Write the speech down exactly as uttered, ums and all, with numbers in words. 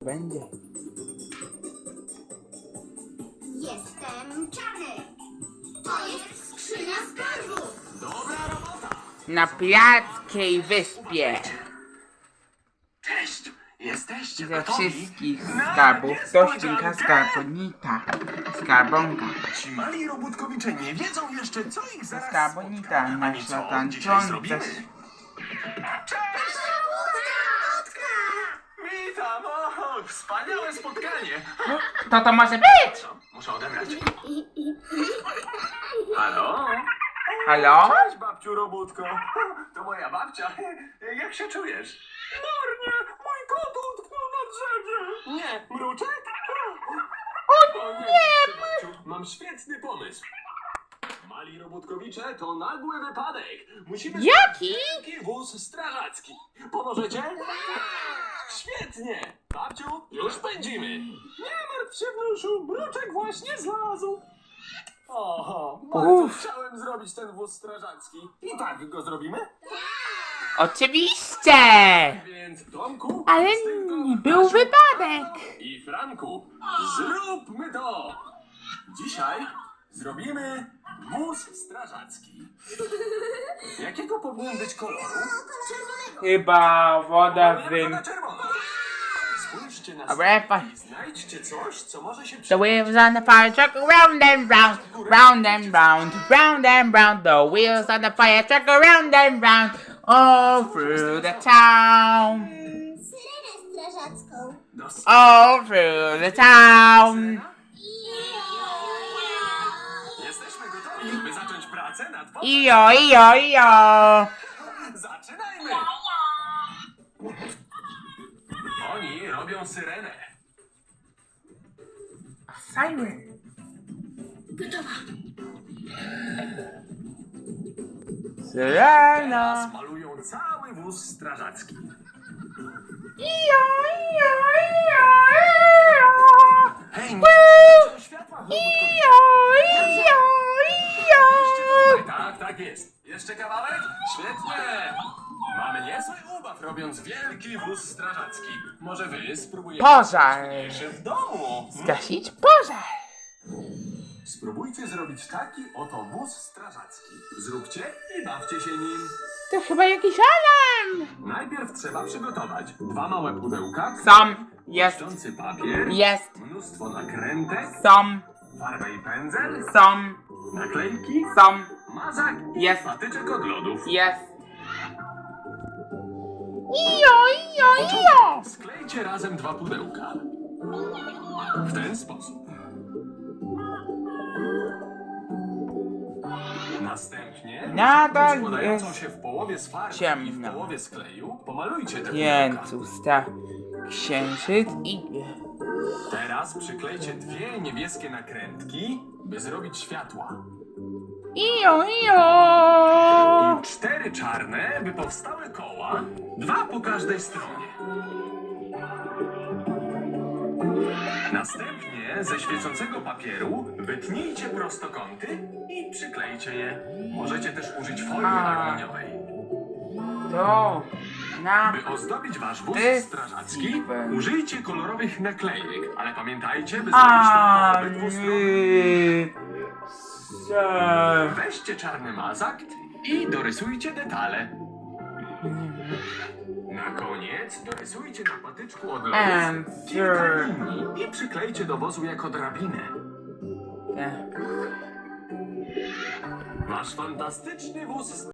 Będzie. Jestem czarny. To jest skrzynia skarbów. Dobra robota! Na pirackiej wyspie. Cześć! Jesteście Ze gotowi? wszystkich Na skarbów to świnka niespodziankę? skarbonita. Skarbonka. Ci mali robótkowicze nie wiedzą jeszcze, co ich zaraz Skarbonita, spotka. nasza Ani co tańcząca. dzisiaj zrobimy. Cześć! Witam! O, wspaniałe spotkanie! Kto to może być? Co? Muszę odebrać. Halo? Halo? Cześć, babciu robótko. To moja babcia. Jak się czujesz? Marnie! Mój kot utknął na drzewie! Nie, mruczek? O nie! Babciu, mam świetny pomysł. Mali robótkowicze to nagły wypadek. Musimy... Jaki? Wielki wóz strażacki. Pomożecie? Świetnie! Babciu, już pędzimy. Nie martw się, wnusiu. Mruczek właśnie zlazł. Oho, bardzo Uff. chciałem zrobić ten wóz strażacki. I tak go zrobimy? Oczywiście! Więc Tomku, Ale Krystynko, nie był Kasiu, wypadek. Anno i Franku, zróbmy to! Dzisiaj zrobimy wóz strażacki. Jakiego powinien być koloru? Chyba woda Kolor z... na czerwono. Spójrzcie na Dobra, stronę pa- i znajdźcie coś, co może się The przydać. wheels on the fire truck go round and round, round and round, round and round. The wheels on the fire truck go round and round, all through the town, Syrenę strażacką. Dos- all through the town. Jesteśmy gotowi, by zacząć pracę nad wozem. Ijo, ijo, ijo. Zaczynajmy! Oni robią syrenę. Siren. Syrena. Teraz malują cały wóz strażacki. Ijo, ijo, ijo, ijo. Hej, nie włączą światła, robótkowicze. Ijo, ijo, ijo. Tutaj, tak, tak jest. Jeszcze kawałek? Świetnie! Mamy niezły ubaw robiąc wielki wóz strażacki. Może wy spróbujecie Pożar. coś mniejszy w domu? Zgasić pożar. Spróbujcie zrobić taki oto wóz strażacki. Zróbcie i bawcie się nim. To chyba jakiś alarm. Najpierw trzeba przygotować dwa małe pudełka, Są, jest, błyszczący papier, jest, mnóstwo nakrętek, są, farbę i pędzel, są, naklejki, są, mazak i Jest. patyczek od lodów. jest. Ijo, ijo, ijo. Sklejcie razem dwa pudełka. W ten sposób. Następnie Nadal składającą jest się w połowie z farby i w ciemno. połowie z kleju pomalujcie te pudełka. Pięcusta, księżyc i... Teraz przyklejcie dwie niebieskie nakrętki, by zrobić światła. Ijo, ijo. I cztery czarne, by powstały koła, dwa po każdej stronie. Następnie ze świecącego papieru wytnijcie prostokąty i przyklejcie je. Możecie też użyć folii A. aluminiowej. To na... By ozdobić wasz wóz Ty, strażacki, Steven. użyjcie kolorowych naklejek, ale pamiętajcie, by zrobić to po A, obydwu stronach. nie. Se- Weźcie czarny mazak i dorysujcie detale. Na koniec dorysujcie na patyczku od lodów And kilka sure. linii i przyklejcie do wozu jako drabinę. Tak. Wasz fantastyczny wóz